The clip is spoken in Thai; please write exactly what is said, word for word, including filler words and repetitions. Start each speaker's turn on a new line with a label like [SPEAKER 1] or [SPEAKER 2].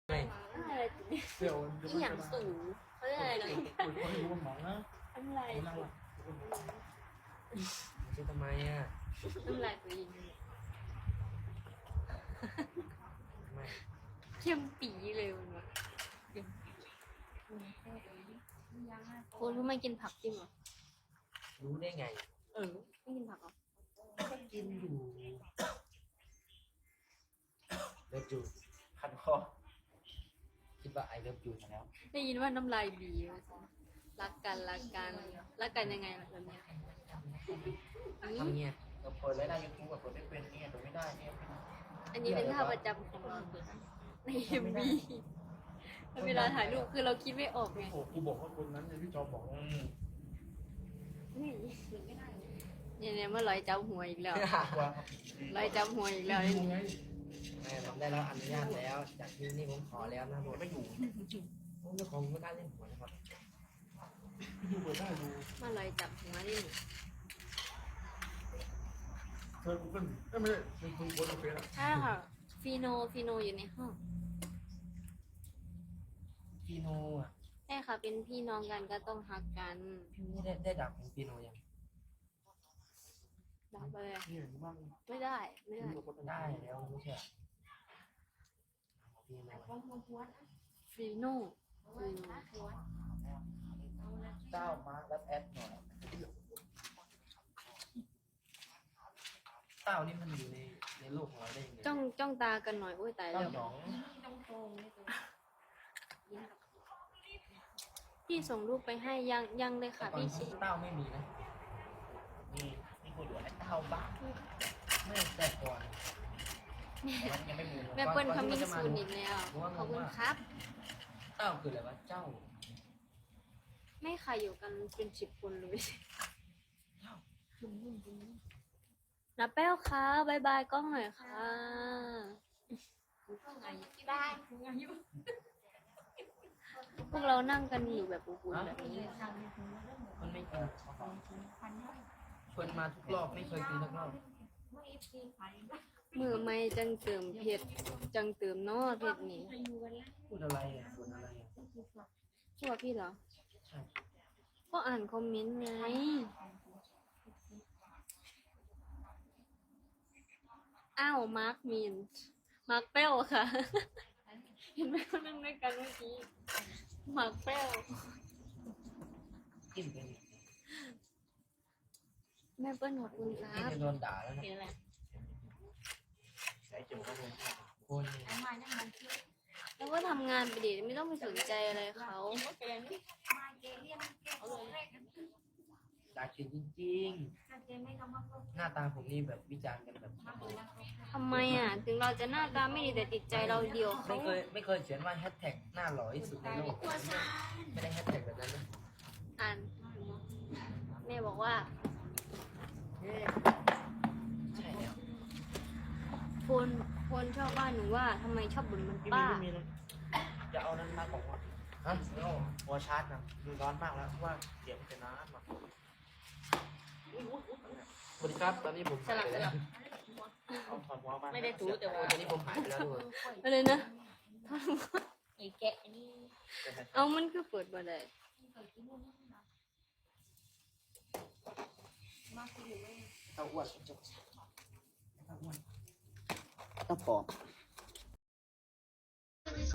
[SPEAKER 1] ไม่
[SPEAKER 2] อะไร
[SPEAKER 3] เสี่ยว
[SPEAKER 2] อีหยังสูงเขาเรียกอะไรนะ
[SPEAKER 3] คุยว่าอยู่บนหมองนะ
[SPEAKER 2] น้ำลาย
[SPEAKER 3] นั่งละ
[SPEAKER 1] ไม่ใช่ทำไมอ่ะ
[SPEAKER 2] น้ำลายตัวเอง
[SPEAKER 1] ไม่
[SPEAKER 2] เข้มปีเลยมันวะคุณทำไมกินผักจริงเหรอ
[SPEAKER 1] รู้ได้ไง
[SPEAKER 2] เออไม่กินผักเหรอ
[SPEAKER 1] ก็กินอยู่เลิฟยู
[SPEAKER 3] คันคอ
[SPEAKER 1] คิดว่าไอเลิฟยูมาแล้ว
[SPEAKER 2] ได้ยินว่าน้ำลายบีว่าซะรักกันรักกันรักกันยังไงล่ะแบบเนี้ย
[SPEAKER 1] ทำเงี้ย
[SPEAKER 3] เราเปิดรายได้ยูทูบแบบเปิดไม่เป็นเนี่ยเปิดไม่ได้เนี่ย
[SPEAKER 2] อันนี้เป็นท่าประจำของเราในเอ็มบีเวลาถ่ายรูปคือเราคิดไม่ออกไง
[SPEAKER 3] โอ้กูบอกว่าคนนั้นเนี่ยพี่จอบอกว่า
[SPEAKER 2] เนี่ยเนี่ยเมื่อลอยจับหัวอีกแล้ว
[SPEAKER 3] ว่า
[SPEAKER 2] ลอยจับหัวอีกแล้ว
[SPEAKER 3] อยู่ไง
[SPEAKER 1] แม่ผมได้รับอนุญาตแล้ว จากที่นี่ผมขอแล้วนะผม
[SPEAKER 3] ไม่อยู่
[SPEAKER 1] ผมจะขอไม่กล้าเล่นหัวนะครับ
[SPEAKER 3] พี่ดูเปิดได้ดู
[SPEAKER 2] เมื่อลอยจับหัวนี่
[SPEAKER 3] เธอกูเกิลไม่ใช่เป็นคนโพสต์เฟซอะ
[SPEAKER 2] ใช่ค่ะฟีโนฟีโนอยู่ในห้อง
[SPEAKER 1] ปีโนอ่ะ
[SPEAKER 2] ใช่ค่ะเป็นพี่น้องกันก็ต้องฮักกัน
[SPEAKER 1] พี่นี่ได้ได้ดับของปีโนยัง
[SPEAKER 2] ดับเลย
[SPEAKER 3] นี่เห็นบ้าง
[SPEAKER 2] ไม่ได้ไม่ได้
[SPEAKER 1] ได้แล้วไม่ใช่ปีโน
[SPEAKER 2] ฟีโนฟีโน
[SPEAKER 3] เจ้ามาร์คและแอดหน่อย
[SPEAKER 1] เต้านี่มันอยู่ในในโลกของเราได้ยังไง
[SPEAKER 2] จ้องจ้องตากันหน่อยโอ้ยตาย
[SPEAKER 1] เต้า
[SPEAKER 2] แล้ว
[SPEAKER 1] หยอง
[SPEAKER 2] พี่ส่งรูปไปให้ยังยังเลยค่ะ
[SPEAKER 1] แต่ก่อน
[SPEAKER 2] พี่ชิ
[SPEAKER 1] เต้าไม่มีนะ
[SPEAKER 3] นี่นี่คนอยู่ไอ้เต้าบ้า
[SPEAKER 1] ไม่แต่ก่อน
[SPEAKER 3] มันยังไม่มู
[SPEAKER 2] แม่เปิ้ลคำมิ่งซูนอีกแล้วขอบคุณครับ
[SPEAKER 1] เต้าคืออะไรวะเจ้า
[SPEAKER 2] ไม่ค่ะอยู่กันเป็นสิบคนเลยนับแป้วค่ะบายบายกล้องหน่อยค่ะพวกเรานั่งกันอยู่แบบอุ่นๆแบบนี้
[SPEAKER 1] มันไม่กินชวนมาทุกรอบไม่เคยกินสักรอบ
[SPEAKER 2] มือไม่จังเติมเผ็ดจังเติมเนอเผ็ดนี่
[SPEAKER 1] พูดอะไรอ่ะพูดอะไรอ่ะ
[SPEAKER 2] ชื่อว่าพี่เหรอ
[SPEAKER 1] ใช่
[SPEAKER 2] ก็อ่านคอมเมนต์ไงอ้าวมาร์คมินมาร์คเป้ลค่ะ เห็นไหมเขานั่งด้วยกันเมื่อกี้มาร์คเป้ล
[SPEAKER 1] กินไป
[SPEAKER 2] แม่เปิ้ลขอบคุณค
[SPEAKER 1] นี่
[SPEAKER 2] รับ
[SPEAKER 1] จะโดนด่าแล้วนะ
[SPEAKER 3] ใส่จุ่มก็มู
[SPEAKER 1] คน
[SPEAKER 2] แล้วก็ทำงานไปดิไม่ต้องไปสนใจอะไรเขา
[SPEAKER 1] ด่ากินจริงๆหน้าตาผมนี่แบบวิจารณ์กันแบบ
[SPEAKER 2] ทำไมอ่ะ ถึงเราจะหน้าตาไม่ดีแต่จิตใจเราเดียวเขา
[SPEAKER 1] ไม่เคยไม่เคยเขียนว่าแฮชแท็กหน้าหล่อที่สุดในโลกไม่ได้แฮชแท็กแบบนั้นนะ
[SPEAKER 2] อ่านแม่บอกว่า
[SPEAKER 1] ใช่แล้ว
[SPEAKER 2] คนคนชอบว่าหนูว่าทำไมชอบบ่นมัน
[SPEAKER 3] พี่มี
[SPEAKER 2] ป้า
[SPEAKER 3] พี่มีนะจะเอานั้นมาของว่า
[SPEAKER 1] ฮะ
[SPEAKER 3] เอาหัวชาร์จนะดูร้อนมากแล้วว่าเดี๋ยวมันจะน้ำอ่ะ
[SPEAKER 1] สวัสดีครับตอนนี้ผม
[SPEAKER 2] สลับสลับ
[SPEAKER 3] เอาถอดหัวมา
[SPEAKER 4] ไม่ได้ถูแต่
[SPEAKER 1] โอ้
[SPEAKER 4] ว่า
[SPEAKER 1] ตอนนี้ผมหายไปแล้วทุกคน
[SPEAKER 2] อะไรนะ
[SPEAKER 4] ไอ้แกะนี่
[SPEAKER 2] เอามันคือเปิดมาได้
[SPEAKER 1] เต้าอ้วนเต้าอ้วนเต้าปอบ